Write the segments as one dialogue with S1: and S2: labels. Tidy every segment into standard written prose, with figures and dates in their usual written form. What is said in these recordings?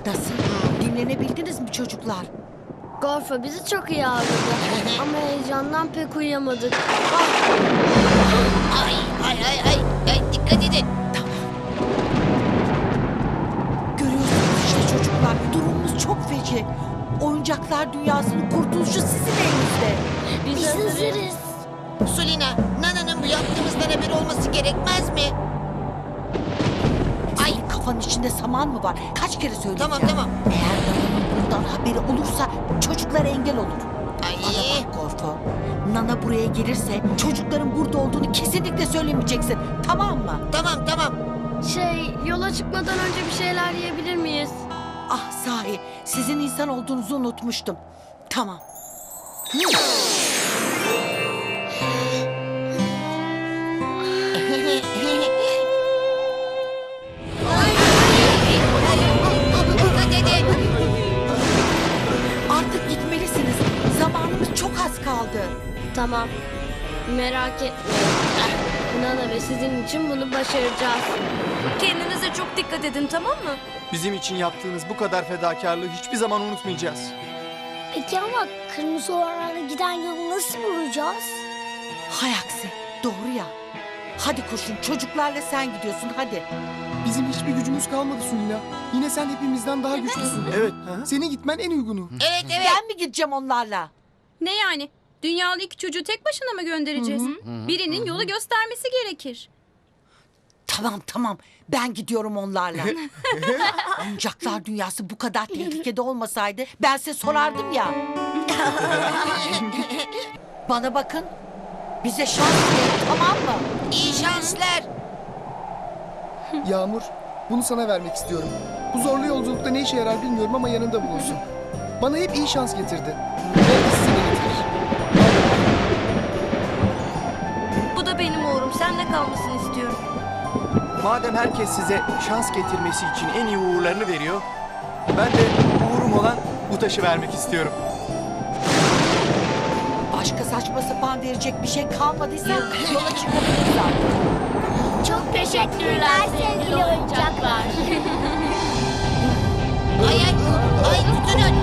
S1: Nasıl? Dinlenebildiniz mi çocuklar?
S2: Gorfo bizi çok iyi ağırladı. Ama heyecandan pek uyuyamadık.
S3: Ay dikkat edin.
S1: Görüyorsunuz işte çocuklar. Durumumuz çok feci. Oyuncaklar dünyasının kurtuluşu sizin elinizde.
S2: Biz hazırız.
S3: Sulina, Nana'nın bu yaptığımızdan haberi olması gerekmez mi?
S1: Ay, kafanın içinde saman mı var? Kaç kere söyleyeceğim.
S3: Tamam.
S1: Eğer Nana'nın bundan haberi olursa çocuklara engel olur.
S3: Ay.
S1: Bana bak Gorfo. Nana buraya gelirse çocukların burada olduğunu kesinlikle söylemeyeceksin. Tamam mı?
S3: Tamam.
S2: Yola çıkmadan önce bir şeyler yiyebilir miyiz?
S1: Ah sahi, sizin insan olduğunuzu unutmuştum. Tamam.
S3: Dikkat edin.
S1: Artık gitmelisiniz. Zamanımız çok az kaldı.
S2: Tamam. Merak etmeyin. Nana ve sizin için bunu başaracağız.
S4: Kendinize çok dikkat edin, tamam mı?
S5: Bizim için yaptığınız bu kadar fedakarlığı hiçbir zaman unutmayacağız.
S6: Peki ama kırmızı olanlara giden yolu nasıl bulacağız?
S1: Hay aksi, doğru ya. Hadi kurşun, çocuklarla sen gidiyorsun hadi.
S7: Bizim hiçbir gücümüz kalmadı Sulina. Yine sen hepimizden daha güçlüsün.
S5: Evet.
S7: Senin gitmen en uygunu.
S3: Evet.
S1: Ben mi gideceğim onlarla?
S4: Ne yani? Dünyalı iki çocuğu tek başına mı göndereceğiz? Birinin yolu göstermesi gerekir.
S1: Tamam, ben gidiyorum onlarla. Oyuncaklar dünyası bu kadar tehlikede olmasaydı ben size sorardım ya. Bana bakın, bize şans verin, tamam mı?
S3: İyi şanslar.
S7: Yağmur, bunu sana vermek istiyorum. Bu zorlu yolculukta ne işe yarar bilmiyorum ama yanında bulunsun. Bana hep iyi şans getirdi. Belki size de getirir.
S4: Bu da benim uğrum. Seninle kalmasını istiyorum.
S5: Madem herkes size şans getirmesi için en iyi uğurlarını veriyor, ben de uğurum olan bu taşı vermek istiyorum.
S1: Başka saçma sapan verecek bir şey kalmadıysa yola çıkabiliriz artık.
S6: Çok teşekkürler sevgili oyuncaklar.
S3: Ay tutunun.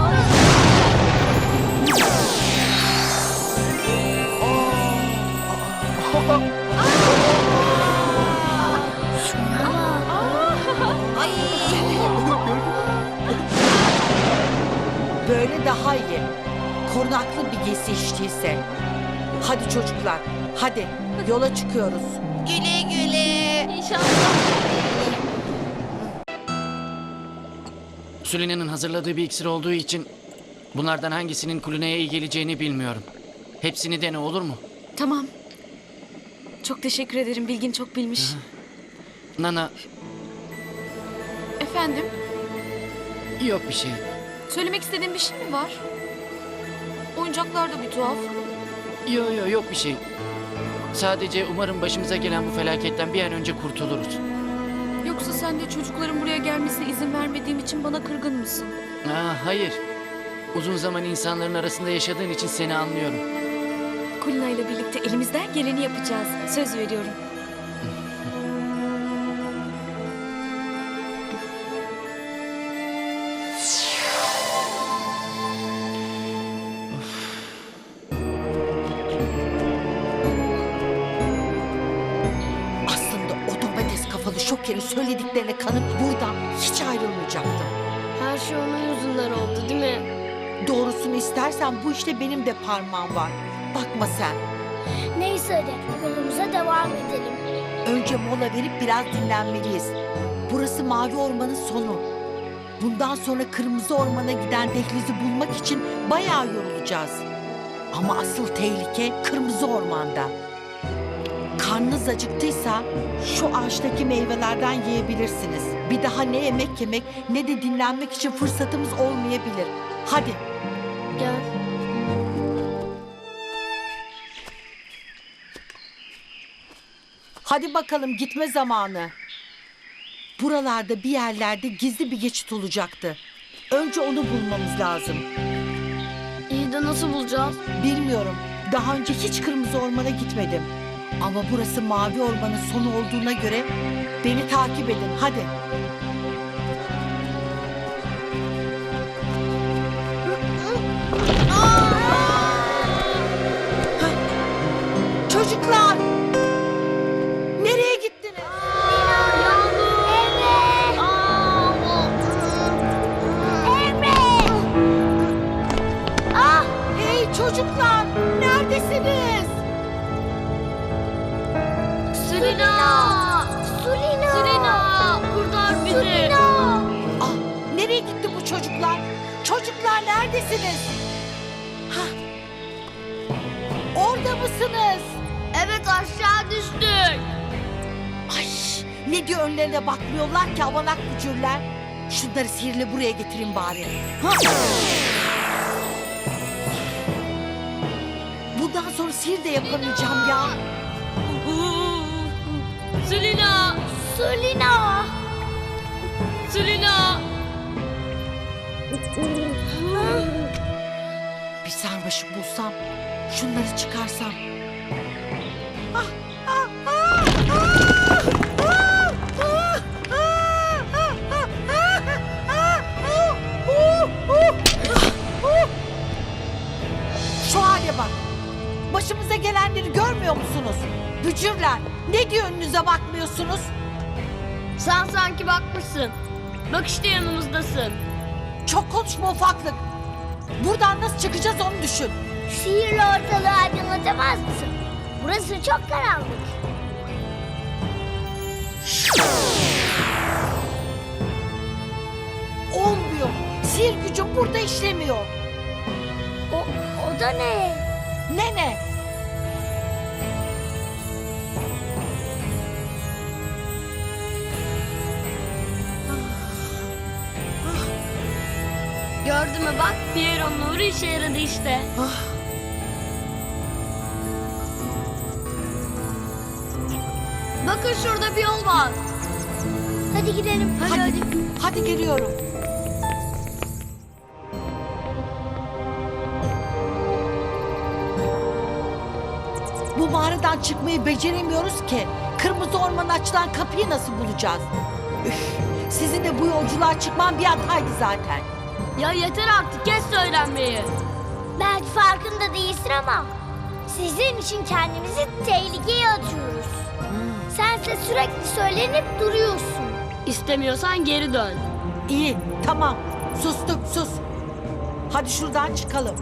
S3: Ay.
S1: Böyle daha iyi. Korunaklı bir giysi içtiyse. Hadi çocuklar, hadi yola çıkıyoruz.
S3: Güle.
S2: İnşallah.
S8: Sulina'nın hazırladığı bir iksir olduğu için bunlardan hangisinin Kulina'ya iyi geleceğini bilmiyorum. Hepsini dene, olur mu?
S4: Tamam. Çok teşekkür ederim. Bilgin çok bilmiş.
S8: Nana,
S4: Efendim?
S8: yok bir şey.
S4: Söylemek istediğin bir şey mi var? Oyuncaklar da bir tuhaf.
S8: Yok bir şey. Sadece umarım başımıza gelen bu felaketten bir an önce kurtuluruz.
S4: Yoksa sen de çocukların buraya gelmesine izin vermediğim için bana kırgın mısın?
S8: Hayır. Uzun zaman insanların arasında yaşadığın için seni anlıyorum.
S4: Kulina ile birlikte elimizden geleni yapacağız. Söz veriyorum.
S1: Aslında o domates kafalı şokerin söylediklerine kanıp buradan hiç ayrılmayacaktım.
S2: Her şey onun yüzünden oldu değil mi?
S1: Doğrusunu istersen bu işte benim de parmağım var. Bakma sen.
S6: Neyse hadi yolumuza devam edelim.
S1: Önce mola verip biraz dinlenmeliyiz. Burası Mavi Orman'ın sonu. Bundan sonra Kırmızı Orman'a giden dehlizi bulmak için bayağı yorulacağız. Ama asıl tehlike Kırmızı Orman'da. Karnınız acıktıysa şu ağaçtaki meyvelerden yiyebilirsiniz. Bir daha ne yemek yemek ne de dinlenmek için fırsatımız olmayabilir. Hadi.
S2: Gel.
S1: Hadi bakalım gitme zamanı. Buralarda bir yerlerde gizli bir geçit olacaktı. Önce onu bulmamız lazım.
S2: İyi de nasıl bulacağız?
S1: Bilmiyorum. Daha önce hiç Kırmızı Orman'a gitmedim. Ama burası Mavi Orman'ın sonu olduğuna göre beni takip edin. Hadi. Çocuklar neredesiniz? Hah. Orada mısınız?
S2: Evet aşağı düştük.
S1: Ay, ne diyor önlerine bakmıyorlar ki avanak bücürler. Şunları sihirle buraya getireyim bari. Ha? Bundan sonra sihir de yapamayacağım ya.
S2: Sulina!
S6: Sulina.
S2: Sulina!
S1: Bir sarmaşık bulsam, şunları çıkarsam. Şu hale bak. Başımıza gelenleri görmüyor musunuz? Bücürler, ne diyor önünüze bakmıyorsunuz?
S2: Sen sanki bakmışsın. Bak işte yanımızdasın.
S1: Çok konuşma ufaklık. Buradan nasıl çıkacağız onu düşün.
S6: Sihirle ortalığı aydınlatamaz mısın? Burası çok karanlık.
S1: Olmuyor. Sihir gücüm burada işlemiyor.
S6: O da ne?
S1: Ne?
S2: Gördün mü bak Piero'nun nuru işe yaradı işte. Bakın şurada bir yol var.
S6: Hadi gidelim.
S1: Hadi geliyorum. Bu mağaradan çıkmayı beceremiyoruz ki. Kırmızı ormana açılan kapıyı nasıl bulacağız? Üf, sizin de bu yolculuğa çıkman bir hataydı zaten.
S2: Ya yeter artık kes söylenmeyi.
S6: Belki farkında değilsin ama sizin için kendimizi tehlikeye atıyoruz. Sense sürekli söylenip duruyorsun.
S2: İstemiyorsan geri dön.
S1: İyi, tamam. Sustuk, sus. Hadi şuradan çıkalım.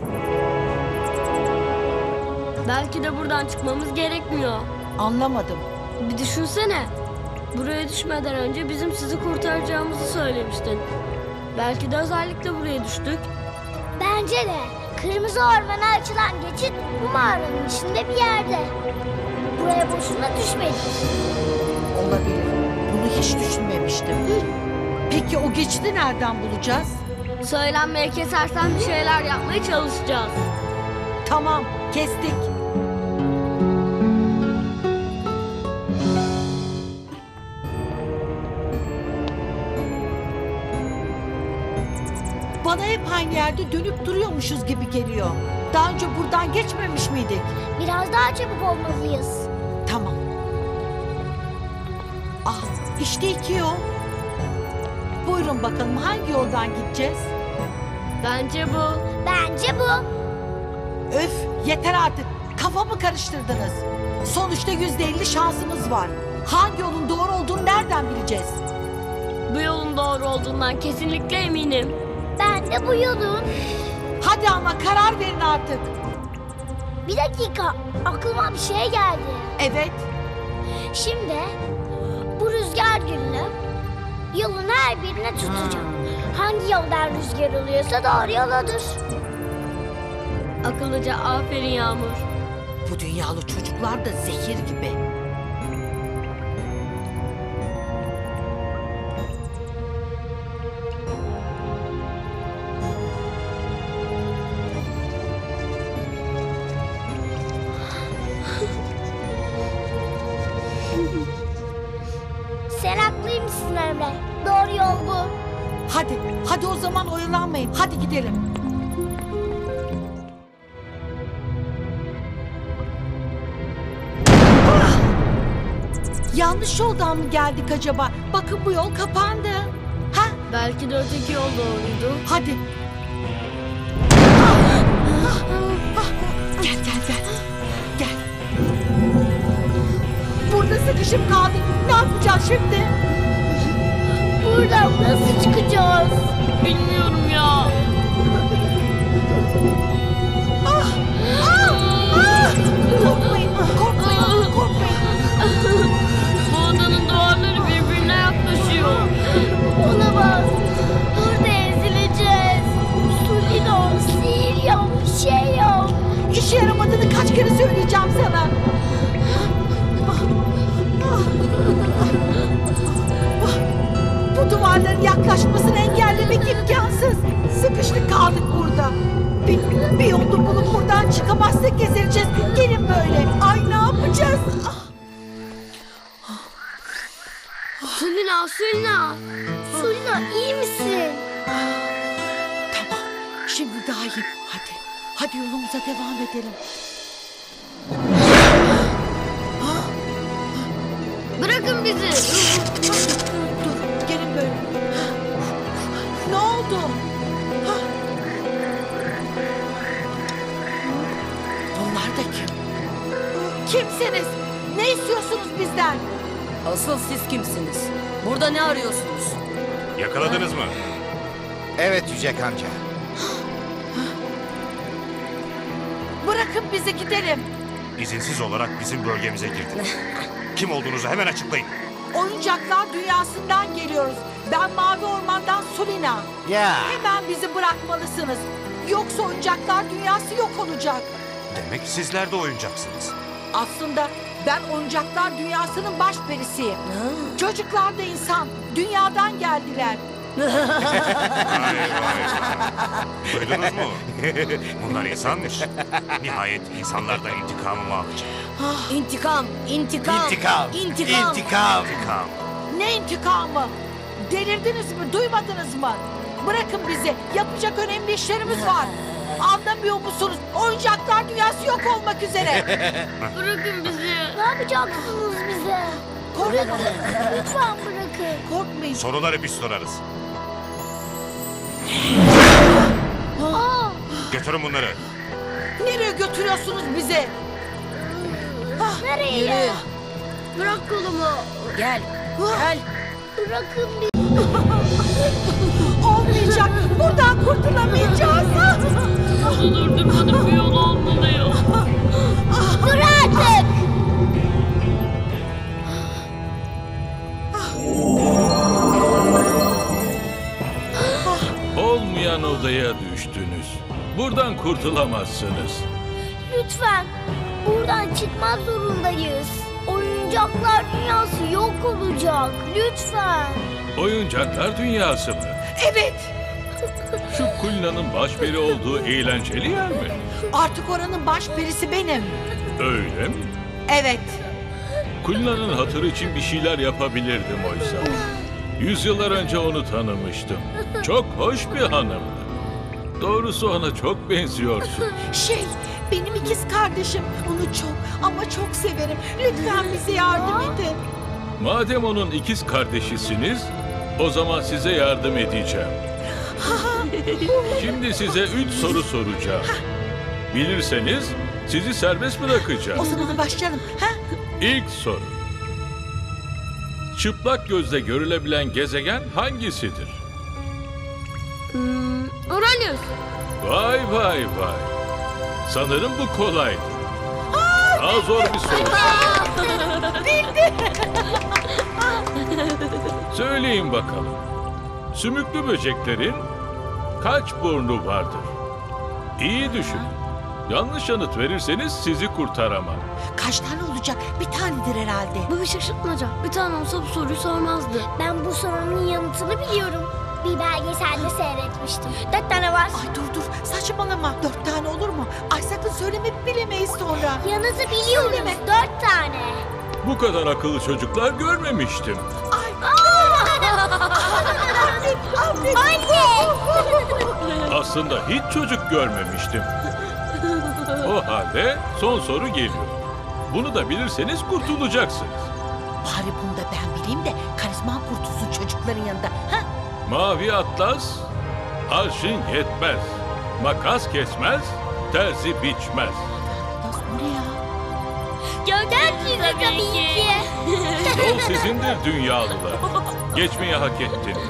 S2: Belki de buradan çıkmamız gerekmiyor.
S1: Anlamadım.
S2: Bir düşünsene. Buraya düşmeden önce bizim sizi kurtaracağımızı söylemiştin. Belki de özellikle buraya düştük.
S6: Bence de kırmızı ormana açılan geçit bu mağaranın içinde bir yerde. Buraya boşuna düşmedik.
S1: Olabilir. Bunu hiç düşünmemiştim. Peki o geçidi nereden bulacağız?
S2: Söylenmeye kesersen bir şeyler yapmaya çalışacağız.
S1: Tamam, kestik. Bana hep aynı yerde dönüp duruyormuşuz gibi geliyor. Daha önce buradan geçmemiş miydik?
S6: Biraz daha çabuk olmalıyız.
S1: Tamam. Ah, işte iki yol. Buyurun bakalım hangi yoldan gideceğiz?
S2: Bence bu.
S6: Bence bu.
S1: Öf, yeter artık. Kafamı karıştırdınız. Sonuçta %50 şansımız var. Hangi yolun doğru olduğunu nereden bileceğiz?
S2: Bu yolun doğru olduğundan kesinlikle eminim.
S6: Ben de bu yolun.
S1: Hadi ama karar verin artık.
S6: Bir dakika, aklıma bir şey geldi.
S1: Evet,
S6: Şimdi bu rüzgar gülünü yolun her birine tutacağım. Hangi yoldan rüzgar oluyorsa doğru yol odur.
S2: Akıllıca aferin Yağmur.
S1: bu dünyalı çocuklar da zehir gibi.
S6: Sen haklıymışsın Emre. Doğru yol bu.
S1: Hadi o zaman oyalanmayın. Hadi gidelim. Ah! Yanlış yoldan mı geldik acaba? Bakın bu yol kapandı. Ha?
S2: Belki de öteki yol doğruydu.
S1: Hadi. Gel. Gel. Burada sıkışıp kaldık. Ne yapacağız şimdi?
S6: Buradan nasıl çıkacağız?
S2: Bilmiyorum ya.
S1: Korkmayın.
S2: Bu odanın duvarları birbirine yaklaşıyor.
S6: Olamaz. Burada ezileceğiz.
S1: Yaklaşmasını engellemek imkansız. Sıkıştık kaldık burada. Bir yolunu bulup buradan çıkamazsak gezileceğiz. Gelin böyle. Ay ne yapacağız?
S2: Sulina, Sulina.
S6: Sulina iyi misin?
S1: Tamam. Şimdi daha iyi. Hadi yolumuza devam edelim.
S2: Bırakın bizi.
S1: Dur. Gelin böyle. Ne oldu? Bunlar da kim? Kimsiniz? Ne istiyorsunuz bizden?
S9: Asıl siz kimsiniz? Burada ne arıyorsunuz?
S10: Yakaladınız mı?
S3: Evet Yücek amca.
S1: Bırakın bizi gidelim.
S10: İzinsiz olarak bizim bölgemize girdiniz. Kim olduğunuzu hemen açıklayın.
S1: Oyuncaklar dünyasından geliyoruz. Ben Mavi Orman'dan Sulina.
S3: Ya.
S1: Hemen bizi bırakmalısınız. Yoksa oyuncaklar dünyası yok olacak.
S10: Demek sizler de oyuncaksınız.
S1: Aslında ben oyuncaklar dünyasının başperisiyim. Çocuklar da insan. Dünyadan geldiler.
S10: Duydunuz mu? Bunlar insanmış. Nihayet insanlardan intikamımı alacağım.
S9: İntikam, intikam,
S3: İntikam.
S9: intikam.
S3: İntikam.
S10: İntikam.
S1: Ne intikamı? Delirdiniz mi? Duymadınız mı? Bırakın bizi. Yapacak önemli işlerimiz var. Anlamıyor musunuz? Oyuncaklar dünyası yok olmak üzere.
S2: Bırakın bizi.
S6: Ne yapacaksınız bize?
S1: Korkmayın.
S6: Lütfen bırakın.
S1: Korkmayın.
S10: Soruları biz sorarız. Götürün bunları.
S1: Nereye götürüyorsunuz bizi?
S6: Nereye?
S9: Yürü.
S2: Bırak kolumu.
S9: Gel, gel.
S6: Bırakın bizi.
S1: Olmayacak. Buradan kurtulamayacağız.
S2: Onu durdurmanın bir yolu olmalıyım.
S6: Dur artık.
S11: Olmayan odaya düştünüz. Buradan kurtulamazsınız.
S6: Lütfen. Buradan çıkmak zorundayız. Oyuncaklar dünyası yok olacak. Lütfen.
S11: Oyuncaklar dünyası mı?
S1: Evet.
S11: Şu Kulina'nın başperi olduğu eğlenceli yer mi?
S1: Artık oranın başperisi benim.
S11: Öyle mi?
S1: Evet.
S11: Kulina'nın hatırı için bir şeyler yapabilirdim oysa. Yüzyıllar önce onu tanımıştım. Çok hoş bir hanımdı. Doğrusu ona çok benziyorsun.
S1: Benim ikiz kardeşim. Onu çok ama çok severim. Lütfen bize yardım edin.
S11: Madem onun ikiz kardeşisiniz, o zaman size yardım edeceğim. Şimdi size 3 soru soracağım. Bilirseniz sizi serbest
S1: O
S11: bırakacağım.
S1: zaman başlayalım. Ha?
S11: İlk soru. Çıplak gözle görülebilen gezegen hangisidir?
S2: Uranüs.
S11: Vay vay vay. Sanırım bu kolaydı. Daha zor bir soru. Söyleyin bakalım. Sümüklü böceklerin kaç burnu vardır? İyi düşünün. Yanlış yanıt verirseniz sizi kurtaramam.
S1: Kaç tane olacak? Bir tanedir herhalde.
S2: Bu bir şaşırtmaca. Bir tane olsa bu soruyu sormazdı.
S6: Ben bu sorunun yanıtını biliyorum. Bir belgeselde seyretmiştim. 4 tane var.
S1: Ay dur saçmalama. 4 tane olur mu? Ay sakın söyleme bilemeyiz sonra.
S6: Yanıtı biliyoruz.
S1: Söyleme.
S6: 4 tane.
S11: Bu kadar akıllı çocuklar görmemiştim.
S6: Anne!
S11: Aslında hiç çocuk görmemiştim. O halde son soru geliyor. Bunu da bilirseniz kurtulacaksınız.
S1: Bari bunu da ben bileyim de karizmam kurtulsun çocukların yanında. Ha?
S11: Mavi atlas, arşın yetmez. Makas kesmez, terzi biçmez.
S1: Nasıl bu ne ya?
S6: Gönder tabii ki.
S11: Yol sizindir dünyalılar. Geçmeyi hak ettiniz.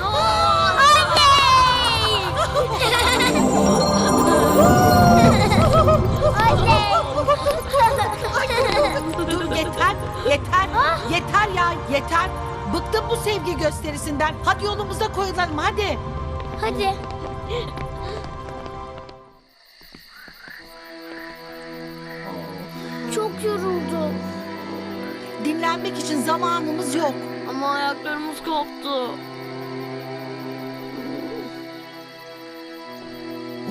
S1: Dur yeter. Bıktım bu sevgi gösterisinden. Hadi yolumuza koyulalım hadi.
S6: Hadi. Çok yoruldum.
S1: Dinlenmek için zamanımız yok.
S2: Ama ayaklarımız koptu.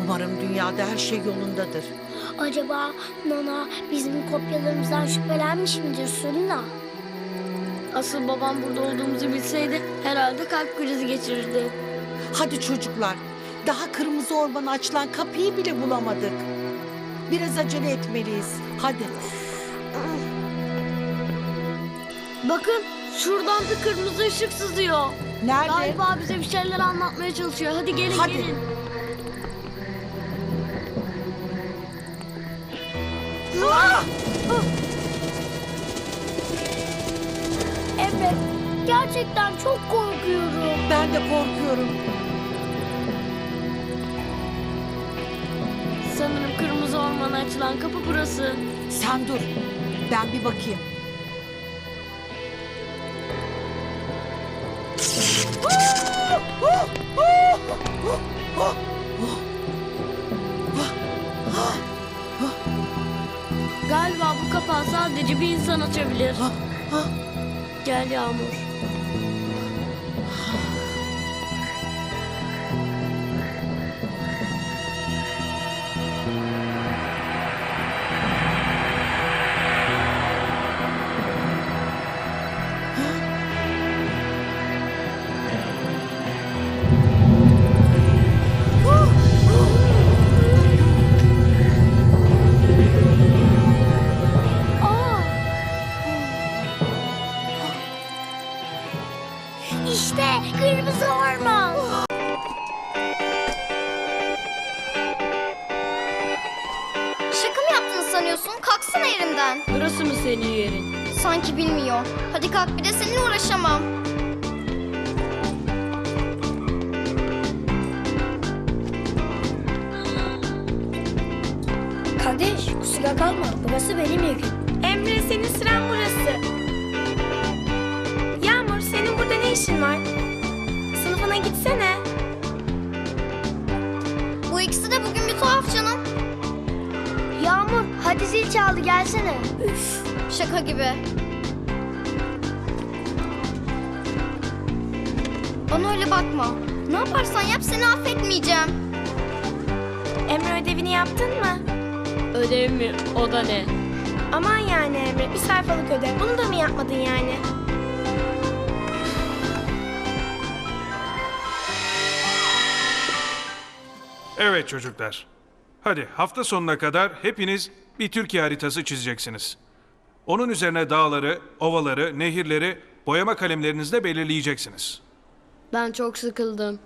S1: Umarım dünyada her şey yolundadır.
S6: Acaba Nana bizim kopyalarımızdan şüphelenmiş midir Sulina?
S2: Asıl babam burada olduğumuzu bilseydi herhalde kalp krizi geçirirdi.
S1: Hadi çocuklar, daha kırmızı ormana açılan kapıyı bile bulamadık. Biraz acele etmeliyiz. Hadi.
S2: Bakın şuradan bir kırmızı ışık sızıyor.
S1: Nerede?
S2: Galiba bize bir şeyler anlatmaya çalışıyor. Hadi gelin
S1: Hadi.
S2: gelin.
S6: Evet, gerçekten çok korkuyorum.
S1: Ben de korkuyorum.
S2: Sanırım kırmızı ormana açılan kapı burası.
S1: Sen dur. Ben bir bakayım.
S2: Galiba bu kapağı sadece bir insan açabilir. Gel Yağmur.
S6: Aa! İşte kırmızı orman.
S12: Şaka mı yaptığını sanıyorsun? Kalksana yerinden.
S2: Burası mı senin yerin?
S12: Sanki bilmiyor. Hadi kalk, bir de seninle uğraşamam.
S6: Kardeş, kusura kalma. Burası benim yerim.
S12: Emre, senin sıran burası. Yağmur, senin burada ne işin var? Sınıfına gitsene. Bu ikisi de bugün bir tuhaf canım.
S6: Yağmur, hadi zil çaldı gelsene. Üf.
S12: Şaka gibi. Bana öyle bakma. Ne yaparsan yap, seni affetmeyeceğim. Emre, ödevini yaptın mı?
S2: Ödev mi? O da ne?
S12: Aman yani Emre, bir sayfalık ödev. Bunu da mı yapmadın yani?
S13: Evet çocuklar. Hadi hafta sonuna kadar hepiniz bir Türkiye haritası çizeceksiniz. Onun üzerine dağları, ovaları, nehirleri boyama kalemlerinizle belirleyeceksiniz.
S2: Ben çok sıkıldım.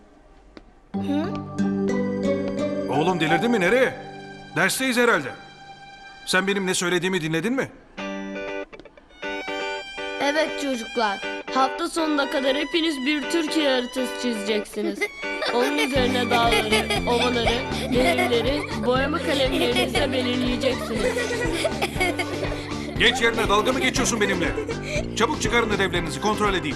S13: Oğlum delirdin mi, nereye? Dersteyiz herhalde. Sen benim ne söylediğimi dinledin mi?
S2: Evet çocuklar. Hafta sonuna kadar hepiniz bir Türkiye haritası çizeceksiniz. Onun üzerine dağları, ovaları, nehirleri boyama kalemlerinizle belirleyeceksiniz.
S13: Geç yerine, dalga mı geçiyorsun benimle? Çabuk çıkarın ödevlerinizi, kontrol edeyim.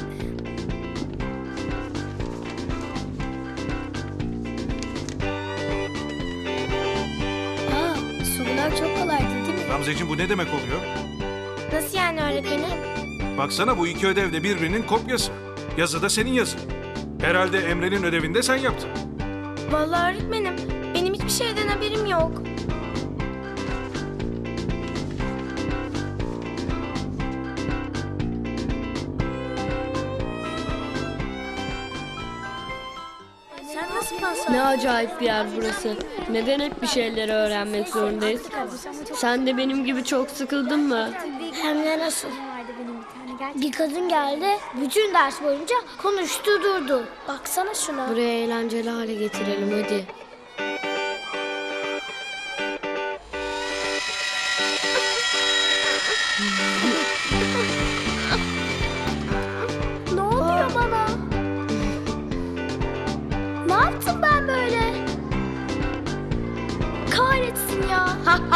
S6: Sorular çok kolaydı değil mi?
S13: Gamzeciğim, bu ne demek oluyor?
S12: Nasıl yani öğretmenim?
S13: Baksana, bu iki ödev de birbirinin kopyası. Yazı da senin yazın. Herhalde Emre'nin ödevini de sen yaptın.
S12: Vallahi öğretmenim, benim hiçbir şeyden haberim yok.
S6: Sen nasıl pas
S2: Ne acayip bir yer burası. Neden hep bir şeyleri öğrenmek zorundayız? Sen de benim gibi çok sıkıldın mı?
S6: Hem de nasıl? Bir kadın geldi, bütün ders boyunca konuştu durdu. Baksana şuna.
S2: Buraya eğlenceli hale getirelim hadi.
S6: Ne oluyor bana? Ne yaptım ben böyle? Kahretsin ya.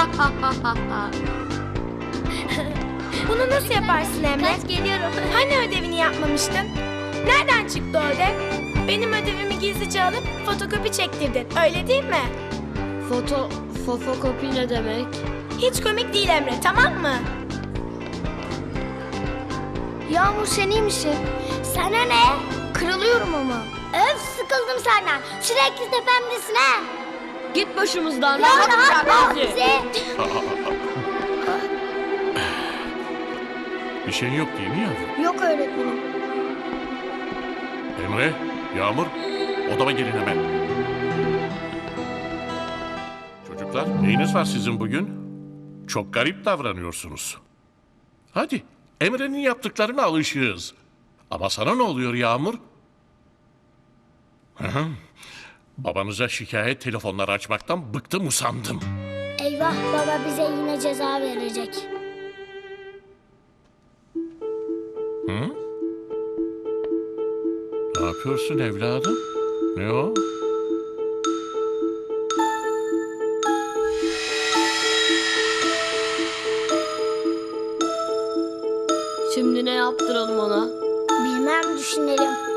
S12: Bunu nasıl yaparsın Emre?
S6: Kaç geliyorum.
S12: Hani ödevini yapmamıştın? Nereden çıktı o ödev? Benim ödevimi gizlice alıp fotokopi çektirdin, öyle değil mi?
S2: Fotokopi ne demek?
S12: Hiç komik değil Emre, tamam mı?
S6: Yağmur sen iyi misin? Sana ne? Kırılıyorum ama. Öf sıkıldım senden. Sürekli tepemdesin ha.
S2: Git başımızdan. Rahat bırak bizi.
S11: Bir şey yok değil mi yavrum?
S6: Yok öğretmenim.
S11: Emre, Yağmur, odama gelin hemen. Çocuklar, neyiniz var sizin bugün? Çok garip davranıyorsunuz. Hadi, Emre'nin yaptıklarına alışığız. Ama sana ne oluyor Yağmur? Hı hı. Babanıza şikayet telefonları açmaktan bıktım usandım.
S6: Eyvah, baba bize yine ceza verecek.
S11: Hı? Ne yapıyorsun evladım? Ne o?
S2: Şimdi ne yaptıralım ona?
S6: Bilmem, düşünelim.